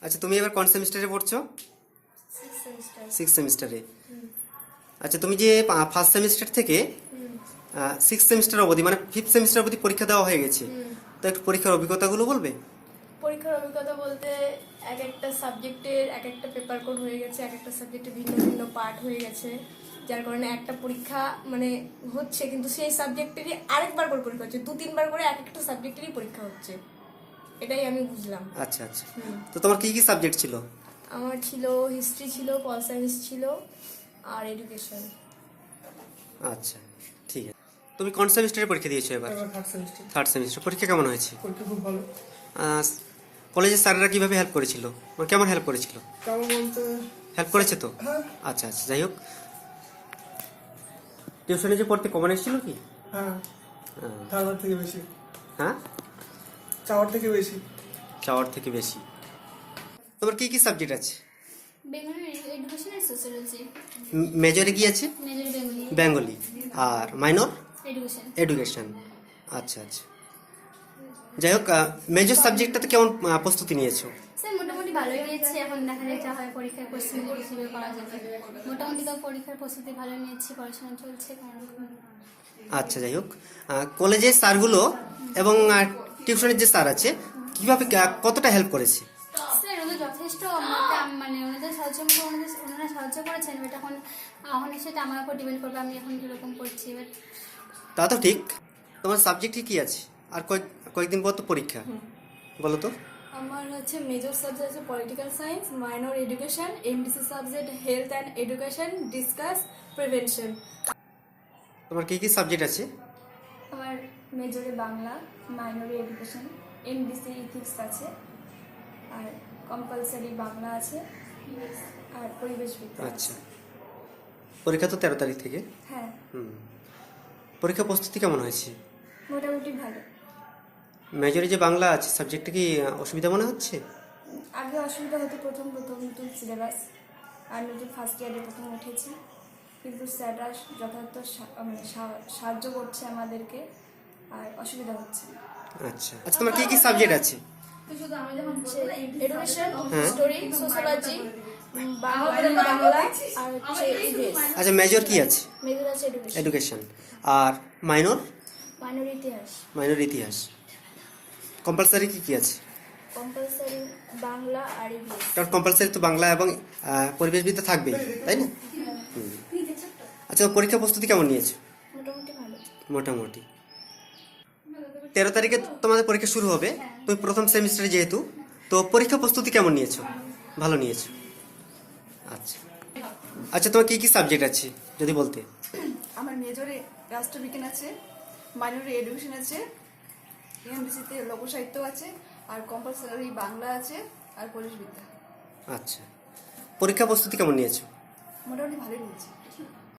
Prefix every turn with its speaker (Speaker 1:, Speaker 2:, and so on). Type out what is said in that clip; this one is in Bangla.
Speaker 1: আচ্ছা, তুমি এবার কোন সেমিস্টারে পড়ছো?
Speaker 2: Six semester.
Speaker 1: সিক্স সেমিস্টারে। আচ্ছা, তুমি যে ফার্স্ট সেমিস্টার থেকে সিক্স সেমিস্টার অবধি মানে ফিফথ সেমিস্টার অবধি পরীক্ষা দেওয়া হয়ে গেছে, তো একটু পরীক্ষার অভিজ্ঞতাগুলো বলবে?
Speaker 2: পরীক্ষার অভিজ্ঞতা বলতে এক একটা সাবজেক্টের এক একটা পেপার কোড হয়ে গেছে, এক একটা সাবজেক্টে ভিন্ন ভিন্ন পার্ট হয়ে গেছে, যার কারণে একটা পরীক্ষা মানে হচ্ছে, কিন্তু সেই সাবজেক্টেরই আরেকবার করে পরীক্ষা হচ্ছে, 2-3 বার করে এক একটা সাবজেক্টেরই পরীক্ষা হচ্ছে। এটাই আমি বুঝলাম।
Speaker 1: আচ্ছা আচ্ছা, তো তোমার কি কি সাবজেক্ট ছিল?
Speaker 2: আমার ছিল হিস্ট্রি, ছিল পল সায়েন্স, ছিল আর এডুকেশন।
Speaker 1: আচ্ছা, ঠিক আছে। তুমি কোন সেমিস্টারে পরীক্ষা দিয়েছো এবার?
Speaker 3: Third semester.
Speaker 1: Third semester. পরীক্ষা কেমন হয়েছে?
Speaker 3: পরীক্ষা খুব ভালো।
Speaker 1: কলেজের স্যাররা কিভাবে হেল্প করেছিল, মানে কেমন হেল্প করেছিল?
Speaker 3: কেমন বলতে
Speaker 1: হেল্প করেছে তো?
Speaker 3: হ্যাঁ
Speaker 1: আচ্ছা আচ্ছা, যাই হোক। টিউশনে যে পড়তে কমন এসেছিল কি?
Speaker 3: হ্যাঁ,
Speaker 1: আহ,
Speaker 3: ধারবার থেকে বেশি,
Speaker 1: হ্যাঁ,
Speaker 3: চাওয়ার থেকে বেশি।
Speaker 1: চাওয়ার থেকে বেশি। তোমার কি কি সাবজেক্ট আছে?
Speaker 4: বেঙ্গলি এডুকেশন আর সোশ্যোলজি।
Speaker 1: মেজরে কি আছে?
Speaker 4: মেজর বেঙ্গলি
Speaker 1: বেঙ্গলি। আর মাইনর?
Speaker 4: এডুকেশন।
Speaker 1: এডুকেশন। আচ্ছা আচ্ছা, যাই হোক। মেজর সাবজেক্টটাতে কেমন প্রস্তুতি নিয়েছো?
Speaker 4: স্যার মোটামুটি ভালোই নিয়েছি, এখন দেখা যায় যা হয় পরীক্ষার কোশ্চেন হিসেবে করা যাবে। মোটামুটি তো পরীক্ষার প্রস্তুতি ভালো নিয়েছি, পড়াশোনা চলছে কোনোরকম।
Speaker 1: আচ্ছা, যাই হোক। কলেজের স্যারগুলো এবং টিউশনের যে স্যার আছে কিভাবে কতটা হেল্প করেছে?
Speaker 4: স্যার ওদের যথেষ্ট মানে ওনাদের সাহায্য মতো ওনারা সাহায্য করেছেন, বাট এখন এখন সেটা আমার উপর ডিপেন্ড করবে আমি এখন কীরকম করছি। বাট
Speaker 1: তা তো ঠিক। তোমার সাবজেক্ট কি আছে? আর কয়েকদিন পর তো পরীক্ষা, বলো তো।
Speaker 2: আমার হচ্ছে মেজর সাবজেক্ট আছে political science, minor education, MDC subject health and education, disease prevention.
Speaker 1: তোমার কি কি সাবজেক্ট আছে?
Speaker 2: আমার মেজরে বাংলা, মাইনরে এডুকেশন, এমডিসি ইথিক্স আছে, আর কম্পালসারি বাংলা আছে, আর পরিবেশ বিজ্ঞান আছে।
Speaker 1: আচ্ছা, পরীক্ষা তো 13 তারিখ থেকে।
Speaker 2: হ্যাঁ,
Speaker 1: পরীক্ষা প্রস্তুতি কেমন হয়েছে?
Speaker 2: মোটামুটি ভালো।
Speaker 1: মেজরে যে বাংলা আছে সাবজেক্টটা কি অসুবিধা মনে হচ্ছে?
Speaker 2: আগে অসুবিধা হতো, প্রথম নতুন সিলেবাস আর নতুন ফার্স্ট ইয়ারে প্রথম উঠেছি, কিন্তু স্যাররা যথার্থ মানে সাহায্য করছে আমাদেরকে, আর অসুবিধা হচ্ছে না।
Speaker 1: আচ্ছা আচ্ছা, তোমার কি কি সাবজেক্ট আছে?
Speaker 2: এডুকেশন, হিস্টোরি, সোশ্যোলজি, বাংলা আর হচ্ছে ইংলিশ।
Speaker 1: আচ্ছা, মেজর কি আছে?
Speaker 2: মেজর আছে এডুকেশন,
Speaker 1: এডুকেশন। আর মাইনর?
Speaker 2: মাইনর ইতিহাস।
Speaker 1: মাইনর ইতিহাস। কম্পালসারি কি কি আছে?
Speaker 2: কম্পালসারি বাংলা আর ইংলিশ।
Speaker 1: কারণ কম্পালসারি তো বাংলা এবং পরিবেশবিদ্যা থাকবেই, তাই না? আচ্ছা, পরীক্ষা প্রস্তুতি কেমন নিয়েছো?
Speaker 2: মোটামুটি ভালো।
Speaker 1: মোটামুটি। 13 তারিখে তোমাদের পরীক্ষা শুরু হবে, তুমি প্রথম সেমিস্টারে যেহেতু, তো পরীক্ষা প্রস্তুতি কেমন নিয়েছো? ভালো নিয়েছো। আচ্ছা আচ্ছা, তোমার কি কি সাবজেক্ট আছে যদি বলতে?
Speaker 5: আমার মেজরে রাষ্ট্রবিজ্ঞান আছে, মাইনরে এডুকেশন আছে, এমবিসিতে লোকসাহিত্য আছে, আর কম্পালসারি বাংলা আছে, আর পরিবেশবিদ্যা।
Speaker 1: আচ্ছা, পরীক্ষা প্রস্তুতি কেমন নিয়েছো?
Speaker 5: মোটামুটি ভালোই নিয়েছি।